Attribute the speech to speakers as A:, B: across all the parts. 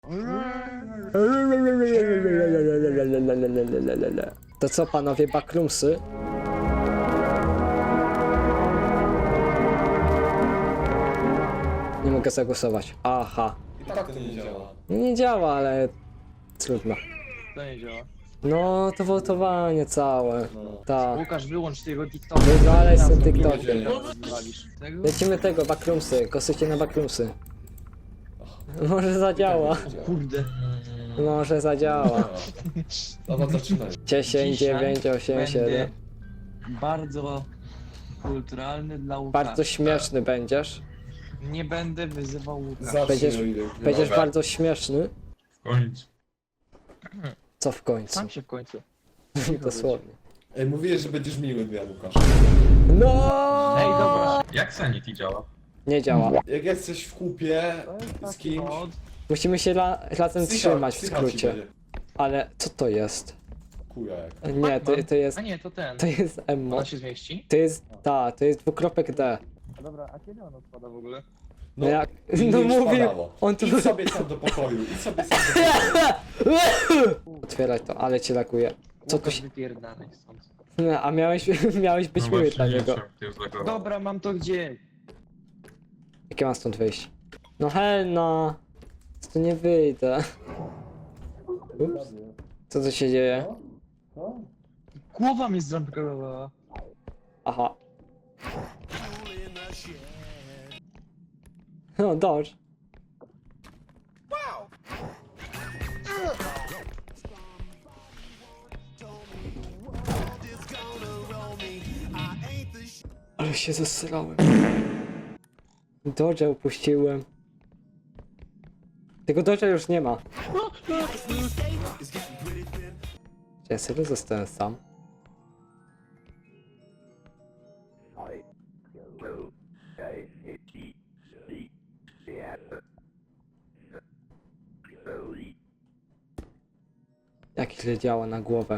A: To co panowie, backroomsy? Nie mogę zagłosować. Aha.
B: I tak to nie działa.
A: No nie działa, ale trudno.
C: To nie działa.
A: No to wołtowanie całe.
B: No.
A: Tak.
C: Łukasz, wyłącz tego TikToka.
A: Wywalaj z tym
C: Razem
A: TikTokiem.
C: wywalisz. Tego?
A: Lecimy tego, backroomsy. Kosycie na backroomsy. Może zadziała.
C: Kurde.
A: Może zadziała.
B: Dobra, zaczynaj.
A: 10, 9, 8, 7.
C: Bardzo kulturalny dla Łukasza.
A: Bardzo śmieszny będziesz.
C: Nie będę wyzywał Łukasza.
B: Zacznij,
A: Będziesz-
B: o ile.
A: Będziesz bardzo śmieszny.
D: W końcu.
A: Co w końcu?
C: Sam się w końcu.
A: Dosłownie.
B: Ej, mówiłeś, że będziesz miły, ja Łukasz.
A: No!
C: Ej, dobra.
D: Jak Sanity działa?
A: Nie działa.
B: Jak jesteś w kupie z kimś...
A: Musimy się razem trzymać w
B: psycha ci
A: skrócie.
B: będzie.
A: Ale co to jest?
B: Kuja jak.
A: Nie, to jest.
C: A nie, to ten.
A: To jest Emmo.
C: Ona się zmieści?
A: To jest. To jest dwukropek D.
C: A dobra, a kiedy ona odpada w ogóle?
A: No jak.
B: mi
A: No
B: już
A: mówił.
B: padało.
A: On tu.
B: Idź sobie sam do pokoju, idź sobie sam do pokoju.
A: Otwieraj to, ale cię lakuje. Co tu
C: Łukasz,
A: się.
C: wypierdalaj stąd.
A: No, a miałeś być miły
D: właśnie
A: dla
D: nie
A: niego.
D: wiem, ty już zagrował.
C: Dobra, mam to gdzie?
A: Jakie mam stąd wyjść? No Helna! Tu nie wyjdę. Ups. Co tu się dzieje?
C: Głowa mnie zramplowała.
A: Aha. No, dodge. Ale się zesrałem. Dodge'a upuściłem. Tego Dodge'a już nie ma. Czy ja serio zostałem sam? Jak źle działa na głowę.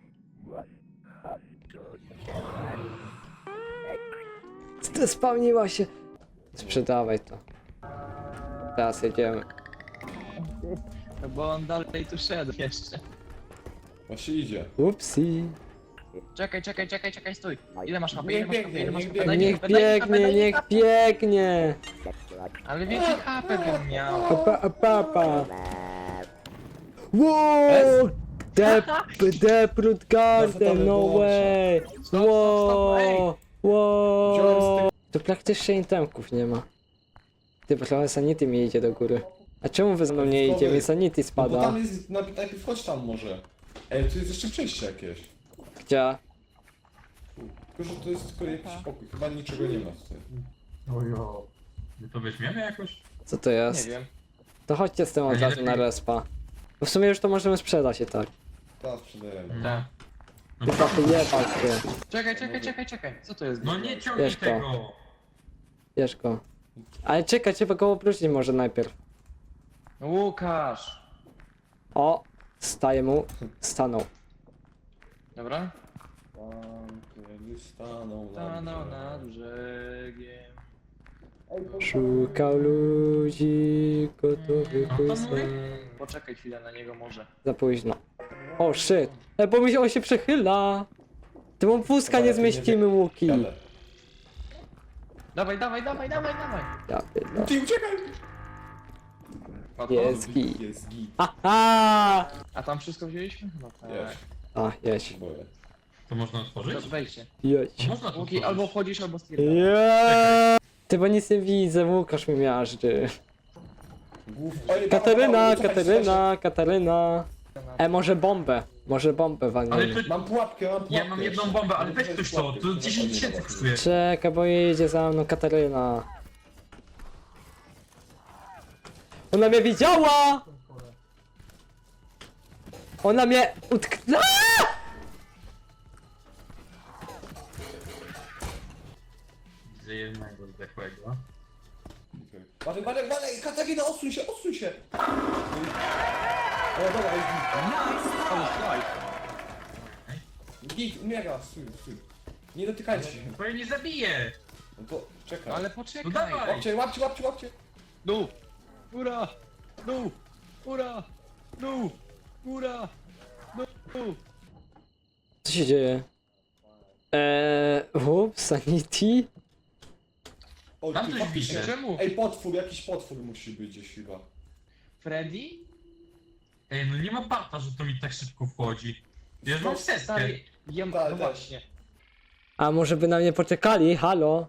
A: Spawniła się. Sprzedawaj to. Teraz jedziemy.
C: No bo on dalej tu szedł jeszcze.
B: Właśnie idzie.
A: Upsi.
C: Czekaj, stój. Ile masz HP?
B: Niech
C: Ile masz HP?
B: biegnie,
C: Ile masz
B: niech
C: HP? Daj mi
A: Niech
C: HP, daj mi HP,
A: biegnie,
C: daj mi
A: niech
C: HP.
A: biegnie.
C: Ale więcej HP bym miał.
A: Papa. Wow! Deprut Garden, no way!
C: Stop, ej.
A: Wow! To praktycznie itemków nie ma. Ty, bo trochę sanity mi idzie do góry. A czemu wy ze mną nie idzie? Mi sanity
B: No bo
A: spada.
B: tam jest, najpierw chodź tam może. Ej, tu jest jeszcze przejście jakieś.
A: Gdzie?
B: Tylko, że to jest tylko jakiś pokój, chyba niczego nie ma tutaj.
D: Ojo. My to weźmiemy jakoś?
A: Co to
C: Nie
A: jest?
C: wiem.
A: To chodźcie z tym od
D: A nie
A: razu na
D: lepiej-
A: respa. Bo w sumie już to możemy sprzedać i tak.
B: Teraz sprzedajemy.
C: Tak.
D: No,
A: Chyba wyjebał się.
C: Czekaj. Co to jest?
D: no nie ciągnij
A: Wiesz to.
D: tego!
A: Bierz go. Ale czekaj, trzeba go obrócić może najpierw.
C: Łukasz.
A: O! Staje mu. Stanął.
C: Dobra?
B: Tam, kiedy stanął
C: Stanął nad brzegiem.
A: Szukał ludzi gotowych
D: No to
A: uznać.
D: mówię.
C: Poczekaj chwilę na niego może.
A: Za późno. O shit! Bo mi się, on się przechyla! Ty mu wózka
B: Dobra,
A: nie
B: ty nie
A: zmieścimy, Łuki!
B: Jadę.
C: Dawaj.
A: Ja pierdolę.
B: Ty uciekaj!
C: Łatwo?
A: Jest git.
B: Jest git.
A: Aha!
C: A tam wszystko wzięliśmy? No tak.
B: Jest.
A: A, jedź.
B: Boję.
D: To można
C: To
D: otworzyć?
C: wejdźcie.
A: Jedź.
D: Można to
C: Łuki,
D: otworzyć.
C: albo wchodzisz, albo stwierdzasz.
A: Yeah. Ty, bo nic nie widzę, Łukasz mi miażdży.
B: Oj,
A: Kataryna,
B: uciekaj,
A: Kataryna, Kataryna. Może bombę. Może bombę
D: Ale
A: walniemy.
D: to...
B: Mam pułapkę, mam pułapkę.
D: Ja mam jedną bombę, ale weź ktoś to, to 10 000 kosztuje.
A: Czekaj, bo jedzie za mną Kataryna. Ona mnie widziała! Ona mnie utknęła!
D: Widzę jednego zdechłego.
B: Balej, Katarina, odsuń się, odsuń się! O, dobra, jest
C: Ale słuchaj.
B: git. Git, umiera, stój. Nie dotykajcie się.
D: Bo ja nie zabiję!
B: No to czekaj.
C: Ale
D: No
C: poczekaj.
D: dawaj!
B: Łapcie.
C: Dół. Góra. Dół. Ura! No! Ura! No!
A: Co się dzieje? Ups, sanity?
B: O,
D: Tam
B: ty
D: coś
B: faktycznie.
D: widzę.
C: Czemu?
B: Ej, potwór, jakiś potwór musi być gdzieś chyba.
C: Freddy?
D: Ej, no nie ma bata, że to mi tak szybko wchodzi. Ja już mam setkę.
C: Stary, ja
B: Tak,
C: no
B: tak.
C: właśnie.
A: A może by na mnie poczekali? Halo?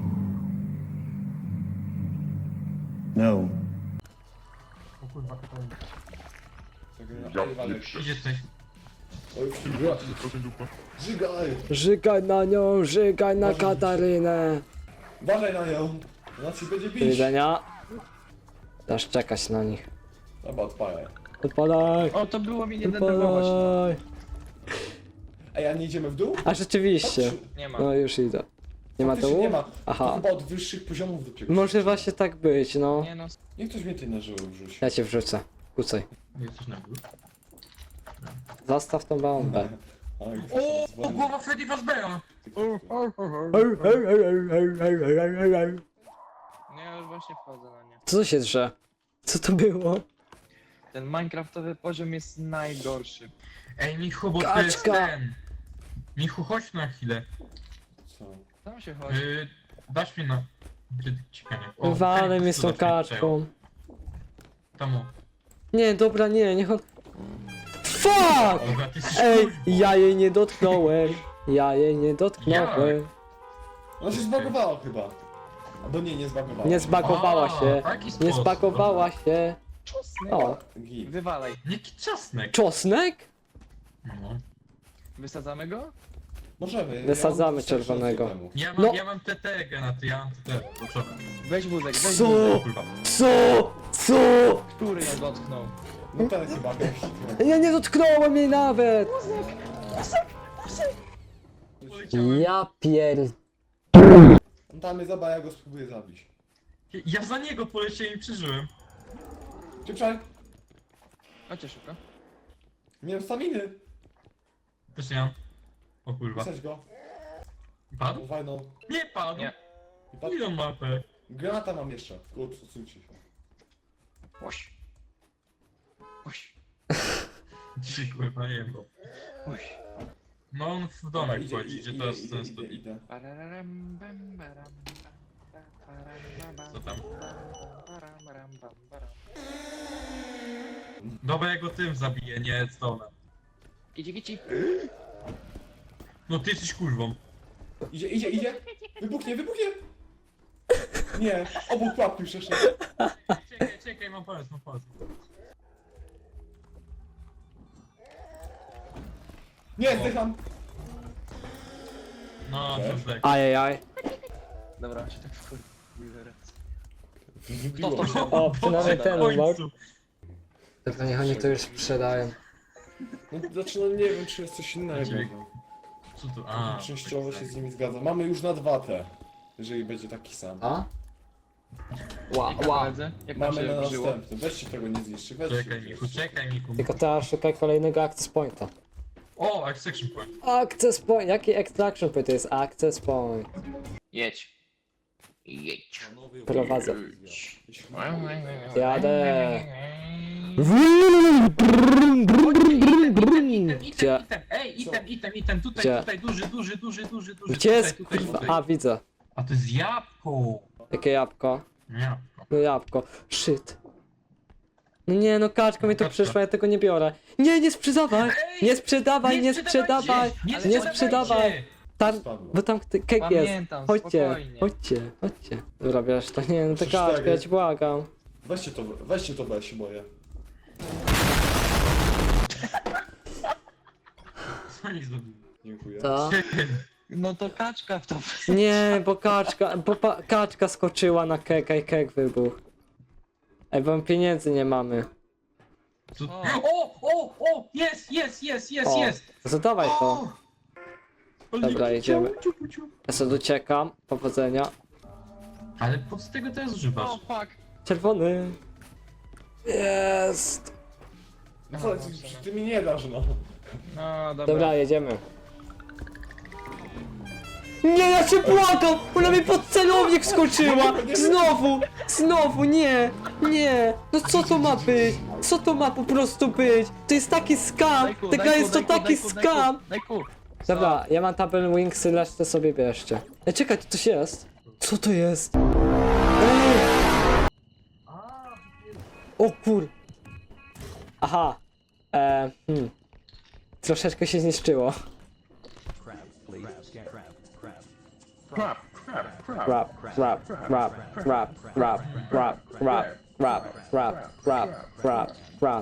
E: No.
D: O kurwa, Katarina.
B: Ej, Walek.
D: Gdzie jesteś?
B: Oj, żygaj!
A: Żygaj na nią, żygaj na Katarynę.
B: Uważaj na nią! Ona ci będzie
A: Do
B: bić!
A: widzenia. Dasz czekać na nich.
B: Dobra, odpalaj.
A: Odpadaj!
C: O, to było mi nie denerwować. No.
A: Odpadaj!
B: Ej, a nie idziemy w dół?
A: A rzeczywiście.
C: Nie ma.
A: No już idę. Nie ma
B: Faktycznie
A: dołu?
B: Nie ma. To
A: Aha.
B: chyba od wyższych poziomów dopiero.
A: Może właśnie tak być, no.
C: Nie no.
B: Niech ktoś mnie ty na żyły wrzuci.
A: Ja cię wrzucę. Kucaj.
D: Jesteś na górze.
A: Zostaw tą bombę.
B: Oj,
D: O, głowa Freddy Fazbeara!
C: Nie, ja już właśnie wchodzę na nie.
A: Co się drze? Co to było?
C: Ten minecraftowy poziom jest najgorszy.
D: Ej, Michu, bo to jest
A: Kaczka.
D: ten. Michu, chodź na chwilę.
B: Co?
C: Tam się chodzi.
D: Dasz mi na... Ciekanie.
A: Walę mnie z tą kaczką.
D: Tam o.
A: Nie, dobra, nie, niech on... Fuck!
D: Dobra, ty jesteś
A: Ej,
D: kurwą.
A: ja jej nie dotknąłem. Ja jej nie dotknąłem.
B: Ona się zbagowała chyba. Albo nie zbagowała.
A: Nie zbagowała
D: A,
A: się.
D: taki
A: Nie
D: sposób.
A: zbagowała się.
C: Czosnek.
A: O,
B: Git.
C: Wywalaj.
D: Jaki czosnek?
A: czosnek?
D: No.
C: Wysadzamy go?
B: Możemy.
A: Wysadzamy
B: mam
A: czerwonego.
B: temu.
D: Ja
A: No.
D: mam TT, Genaty, ja mam TT. Proszę.
C: Weź wózek, weź
A: Co?
C: wózek.
D: Kurwa.
A: Co? Co?
C: Który ją dotknął?
B: No ten chyba gość.
A: Ja nie dotknąłem jej nawet! Ja pier...
B: On tam jest, zobacz, ja go spróbuję zabić.
D: Ja za niego poleciałem i przeżyłem.
B: Czekaj,
C: Chodźcie szybko.
B: nie mam staminy.
D: Też nie mam. O kurwa.
B: Wsadź go.
D: Padł?
B: Fajną.
D: Nie padł.
C: Nie.
B: I patrz,
D: Ile mapę?
B: granata mam jeszcze. Kurczę, odsuńcie się.
C: Oś. Oś.
D: Dzisiaj kurwa nie wiem.
C: Oś.
D: No on w domek wchodzi, gdzie teraz ten stoi.
B: idę.
C: Pararam, bam, baram, bam, pararam, bam,
D: Co tam?
C: baram, baram, bam, baram.
D: Dobra, ja go tym zabiję, nie stonem.
C: Kici, kici.
D: No ty jesteś kurwą.
B: Idzie. Wybuchnie. Nie, obok pułapki przeszedł.
D: Czekaj, mam pomysł.
B: Nie, zdycham.
D: No,
B: Cześć.
D: to tak.
A: Ajajaj.
C: Dobra, się tak wkurwił zaraz.
B: Wybiło
C: To
B: mnie.
C: się-
A: O, przynajmniej
D: W
A: ten
D: końcu.
A: umał. Dobra, niech oni to już sprzedają.
B: No, znaczy, no nie wiem, czy jest coś innego.
D: Dlaczego?
B: No.
D: Co tu? A.
B: Częściowo się z nimi zgadzam. Mamy już na 2 te. Jeżeli będzie taki sam.
A: A? Ła,
C: Jak
A: ła.
C: koledzy? Jak nam
B: Mamy na
C: się żyło?
B: następny. Weźcie tego nie zniszczy. Weźcie.
D: Czekaj Michu.
A: Tylko teraz szukaj kolejnego access pointa.
D: O, extraction point.
A: Access point? Jaki extraction point to jest access point?
C: Jedź. Jedź.
A: Prowadzę.
C: Jadę.
A: Jadę. Gdzie?
D: Ej, item, tutaj,
A: Gdzie?
D: tutaj, duży.
A: Gdzie jest?
D: Tutaj.
A: A, widzę.
D: A to jest jabłko.
A: Jakie jabłko?
D: Jabłko.
A: No jabłko. Shit. No nie, no kaczka mi tu
D: Kaczka.
A: przyszła, ja tego nie biorę. Nie, nie sprzedawaj! Nie sprzedawaj, nie sprzedawaj! Nie sprzedawaj! Tam,
B: Spadło.
A: bo tam kek jest.
C: Pamiętam,
A: Chodźcie,
C: spokojnie.
A: chodźcie. Dobra, wiesz, to nie, no to
B: Trzy,
A: kaczka,
B: cztery.
A: ja ci błagam.
B: Weźcie to, bo ja się boję.
D: Co nie zrobił?
B: Dziękuję.
A: To?
C: No to kaczka w to.
A: Nie, bo kaczka skoczyła na keka i kek wybuchł. Ej, bo pieniędzy nie mamy.
D: O! Jest!
A: Zadawaj to.
D: O!
A: Dobra, jedziemy. Ja sobie uciekam, powodzenia.
D: Ale po co tego teraz używasz?
C: O, fuck.
A: Czerwony. Jest.
B: Co, ty mi nie dasz, no.
C: No, dobra.
A: Dobra, jedziemy. Nie, ja cię błagam! Ona mi pod celownik skoczyła! Znowu! Nie! No co to ma być? Co to ma po prostu być? To jest taki skam! Ta gra jest to taki skam!
C: Dajku!
A: Dobra, ja mam Tabel Wingsy, resztę sobie bierzcie. Ej, czekaj, to coś jest. Co to jest? Ej! O kur... Aha. Troszeczkę się zniszczyło. Rap, rap, rap, rap, rap, rap, rap, rap, rap, rap, rap, rap.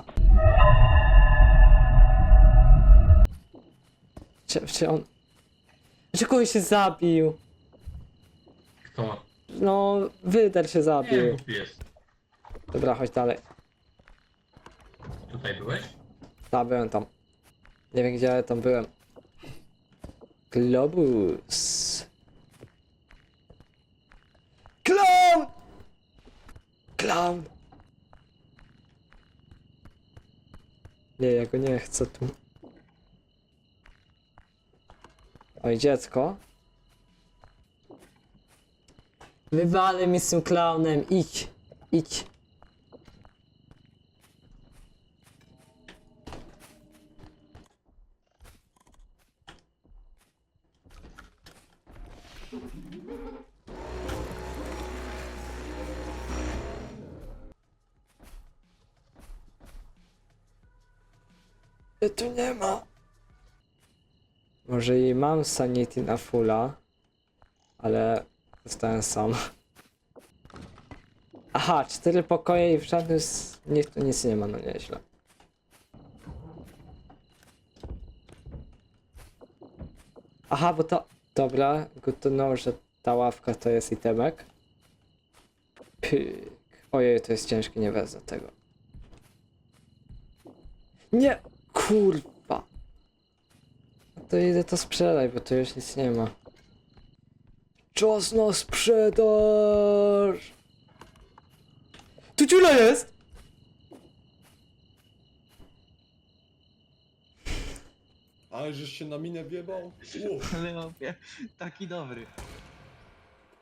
A: Czy on... Czy kogoś się zabił?
D: Kto?
A: No, Wyder się
D: Nie
A: zabił.
D: wiem, głupi jest.
A: Dobra, chodź dalej.
D: Tutaj byłeś?
A: Tak, byłem tam. Nie wiem gdzie, ale tam byłem. Globus. Clown! Clown! Nie, ja go nie chcę tu. Oj, dziecko. Wywalę mi z tym clownem, idź. Idź. Tu nie ma. Może i mam sanity na fulla, ale zostałem sam. Aha, 4 pokoje i w żadnym z nich tu nic nie ma, no nieźle. Aha, bo to... Dobra, good to know, że ta ławka to jest itemek. Pyk. Ojej, to jest ciężkie, nie wezmę tego. Nie! Kurwa! No to idę to sprzedaj, bo tu już nic nie ma. Czas na sprzedaż! Tu dziura jest!
B: Ale żeś się na minę wjebał?
C: Ale opie, taki dobry.